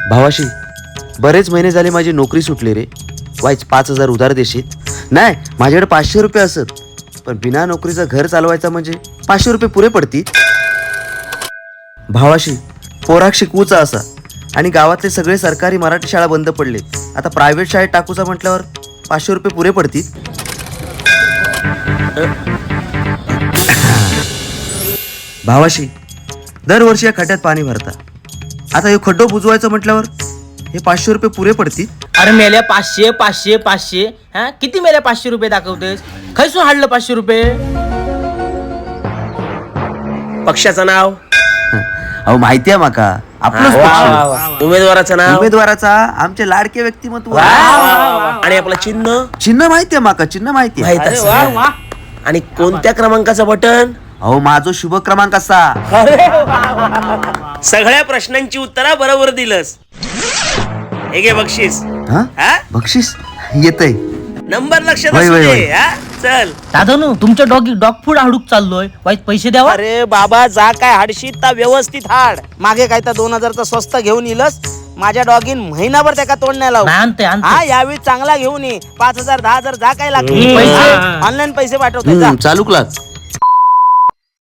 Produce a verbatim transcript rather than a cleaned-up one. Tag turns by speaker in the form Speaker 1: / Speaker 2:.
Speaker 1: भावाशी, बरेच महिने झाले माझी नोकरी सुटली रे. वाईच पाच हजार उधार देशील? नाही, माझ्याकडे पाचशे रुपये असत, पण बिना नोकरीचं घर चालवायचं म्हणजे पाचशे रुपये पुरे पडतील. भावाशी, पोराक शिकवूचा असा आणि गावातले सगळे सरकारी मराठी शाळा बंद पडले. आता प्रायव्हेट शाळेत टाकूचा म्हटल्यावर पाचशे रुपये पुरे पडतील. भावाशी, दरवर्षी या खड्ड्यात पाणी भरता. आता हे खड्डो बुजवायचं म्हटल्यावर हे पाचशे रुपये पुरे पडतील.
Speaker 2: अरे मेल्या पाचशे पाचशे पाचशे हा किती मेल्या पाचशे रुपये दाखवतेस? खैसून हाडलं पाचशे रुपये?
Speaker 3: पक्षाचं नाव?
Speaker 1: अहो माहिती आहे माका, आपलंच पक्ष.
Speaker 3: उमेदवाराचं नाव?
Speaker 1: उमेदवाराचा आमचे लाडके व्यक्तिमत्व.
Speaker 3: आणि आपलं चिन्ह?
Speaker 1: चिन्ह माहिती आहे माका, चिन्ह माहिती आहे.
Speaker 3: माहित असेल. आणि कोणत्या क्रमांकाचं बटन?
Speaker 1: अहो माझो शुभ क्रमांक असा.
Speaker 3: सगळ्या प्रश्नांची उत्तरा बरोबर दिलंस. हे घे बक्षीस.
Speaker 1: हा?
Speaker 3: हा?
Speaker 1: बक्षीस येतय.
Speaker 3: नंबर लक्षात
Speaker 1: वय,
Speaker 3: असू
Speaker 1: वय,
Speaker 3: दे.
Speaker 1: वय.
Speaker 3: हा? चल.
Speaker 2: दादानू तुमच्या डॉगी डॉग फूड हाडूक चाललोय, वाईट पैसे द्यावा.
Speaker 4: अरे बाबा, जा काय हाडशीत ता व्यवस्थित हाड. मागे काय तर दोन हजारचा स्वस्त घेऊन येलस. माझ्या डॉगीन महिनाभर त्याका तोंड नाही लावू.
Speaker 2: नाही, आणते आणते.
Speaker 4: हा, यावेळी चांगला घेऊन ये. पाच हजार दहा हजार जा काय लागतील
Speaker 2: पैसे?
Speaker 4: ऑनलाईन पैसे पाठवतो जा.
Speaker 1: हम्म, चालूक लाग.